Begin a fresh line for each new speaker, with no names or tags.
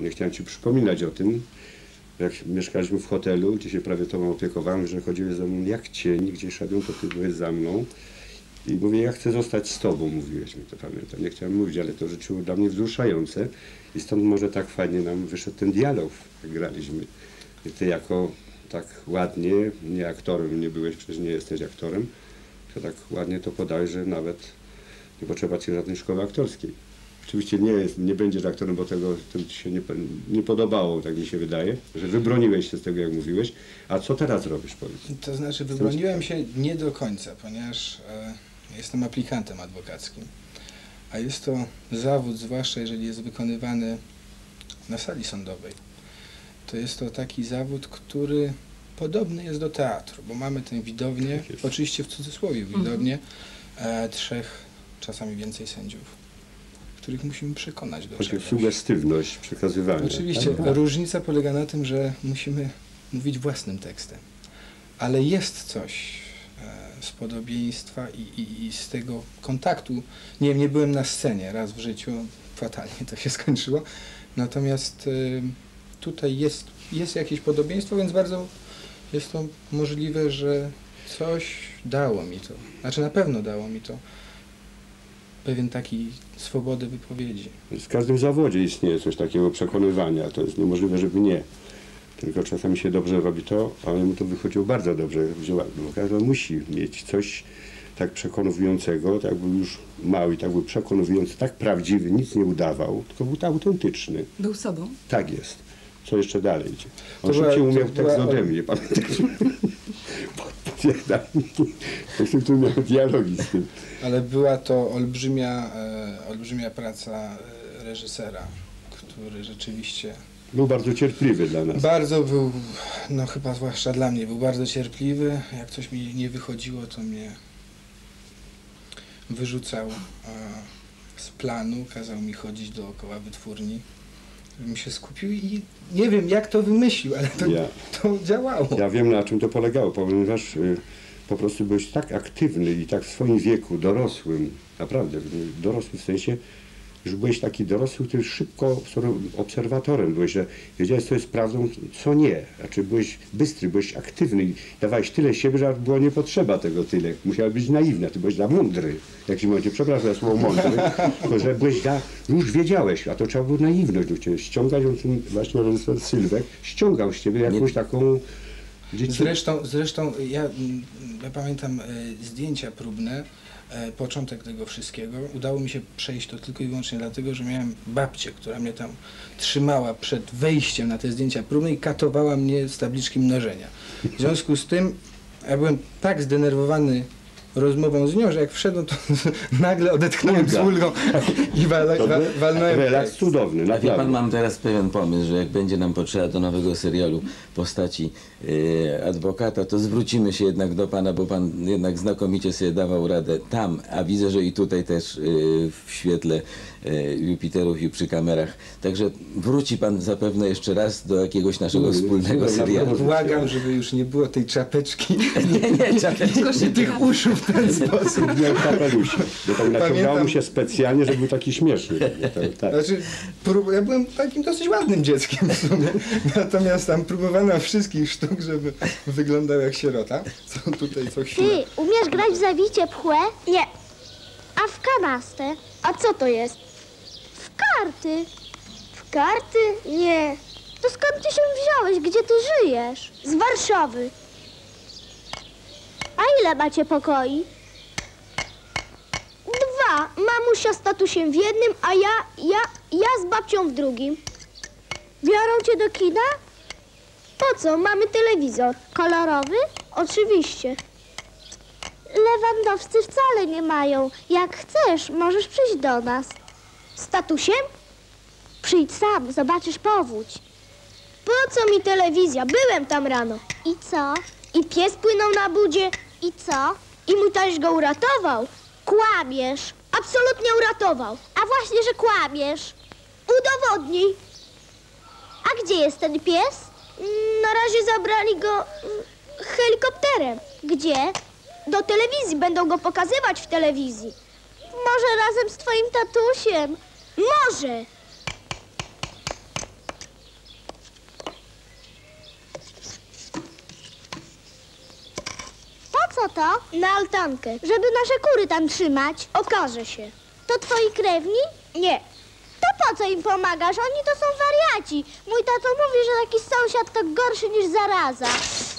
Nie chciałem ci przypominać o tym, jak mieszkaliśmy w hotelu, gdzie się prawie tobą opiekowałem, że chodziłeś za mną jak cień, gdzie szedłem, to ty byłeś za mną. I mówię, ja chcę zostać z tobą, mówiłeś mi, to pamiętam. Nie chciałem mówić, ale to rzeczy było dla mnie wzruszające. I stąd może tak fajnie nam wyszedł ten dialog, jak graliśmy. I ty jako tak ładnie, nie aktorem nie byłeś, przecież nie jesteś aktorem, to tak ładnie to podałeś, że nawet nie potrzeba ci żadnej szkoły aktorskiej. Oczywiście nie będziesz aktorem, bo to ci się nie podobało, tak mi się wydaje, że wybroniłeś się z tego, jak mówiłeś. A co teraz robisz, powiedz?
To znaczy, wybroniłem się nie do końca, ponieważ jestem aplikantem adwokackim. A jest to zawód, zwłaszcza jeżeli jest wykonywany na sali sądowej. To jest to taki zawód, który podobny jest do teatru, bo mamy tę widownię, oczywiście w cudzysłowie widownię, 3, czasami więcej sędziów, których musimy przekonać do czegoś.
Sugestywność przekazywania.
Oczywiście, różnica polega na tym, że musimy mówić własnym tekstem, ale jest coś z podobieństwa i z tego kontaktu. Nie wiem, nie byłem na scenie raz w życiu, fatalnie to się skończyło, natomiast tutaj jest jakieś podobieństwo, więc bardzo jest to możliwe, że coś dało mi to, znaczy na pewno dało mi to pewien taki swobody wypowiedzi. W
każdym zawodzie istnieje coś takiego przekonywania, to jest niemożliwe, żeby nie. Tylko czasami się dobrze robi to, ale mu to wychodziło bardzo dobrze. Każdy musi mieć coś tak przekonującego, tak był już mały, tak był przekonujący, tak prawdziwy, nic nie udawał, tylko był autentyczny.
Był sobą?
Tak jest. Co jeszcze dalej idzie? On szybciej umiał tekst ode mnie, pamiętasz? Podpowiadaj. Tu miał dialogi z tym.
Ale była to olbrzymia praca reżysera, który rzeczywiście...
Był bardzo cierpliwy dla nas.
Bardzo był, no chyba zwłaszcza dla mnie, był bardzo cierpliwy. Jak coś mi nie wychodziło, to mnie wyrzucał z planu, kazał mi chodzić dookoła wytwórni, żebym się skupił i nie wiem, jak to wymyślił, ale to działało.
Ja wiem, na czym to polegało, ponieważ po prostu byłeś tak aktywny i tak w swoim wieku, dorosłym, naprawdę, dorosłym w sensie, że byłeś taki dorosły, który szybko obserwatorem byłeś, że wiedziałeś, co jest prawdą, co nie. Znaczy byłeś bystry, byłeś aktywny i dawałeś tyle siebie, że było nie potrzeba tego tyle. Musiałeś być naiwny, a ty byłeś za mądry. W jakimś momencie, przepraszam za słowo mądry, tylko że byłeś już wiedziałeś, a to trzeba było naiwność do ciebie ściągać, on właśnie reżyser Sylwek ściągał z ciebie jakąś taką...
Zresztą ja pamiętam zdjęcia próbne, początek tego wszystkiego. Udało mi się przejść to tylko i wyłącznie dlatego, że miałem babcię, która mnie tam trzymała przed wejściem na te zdjęcia próbne i katowała mnie z tabliczki mnożenia. W związku z tym ja byłem tak zdenerwowany rozmową z nią, że jak wszedłem, to nagle odetchnąłem z ulgą i walnąłem.
Relaks cudowny, naprawdę.
Wie pan, mam teraz pewien pomysł, że jak będzie nam potrzeba do nowego serialu postaci adwokata, to zwrócimy się jednak do pana, bo pan jednak znakomicie sobie dawał radę tam, a widzę, że i tutaj też w świetle Jupiterów i przy kamerach. Także wróci pan zapewne jeszcze raz do jakiegoś naszego wspólnego serialu.
Błagam, żeby już nie było tej czapeczki.
Nie, czapeczki.
Tych uszu w ten sposób.
Miał kapelusie, bo tak naciągało mu się specjalnie, żeby był taki śmieszny. Tak.
Znaczy, ja byłem takim dosyć ładnym dzieckiem w sumie. Natomiast tam próbowano wszystkich sztuk, żeby wyglądał jak sierota. Co tutaj co chwilę.
Ty, umiesz grać w zawicie pchłe? Nie. A w kanastę? A co to jest? W karty. W karty? Nie. To skąd ty się wziąłeś? Gdzie ty żyjesz? Z Warszawy. A ile macie pokoi? 2. Mamusia z tatusiem w jednym, a ja z babcią w drugim. Biorą cię do kina? Po co? Mamy telewizor. Kolorowy? Oczywiście. Lewandowscy wcale nie mają. Jak chcesz, możesz przyjść do nas. Z tatusiem? Przyjdź sam, zobaczysz powódź. Po co mi telewizja? Byłem tam rano. I co? I pies płynął na budzie. I co? I mój taś go uratował. Kłamiesz. Absolutnie uratował. A właśnie, że kłamiesz. Udowodnij. A gdzie jest ten pies? Na razie zabrali go helikopterem. Gdzie? Do telewizji. Będą go pokazywać w telewizji. Może razem z twoim tatusiem. Może. co to? Na altankę. Żeby nasze kury tam trzymać. Okaże się. To twoi krewni? Nie. To po co im pomagasz? Oni to są wariaci. Mój tato mówi, że taki sąsiad to gorszy niż zaraza.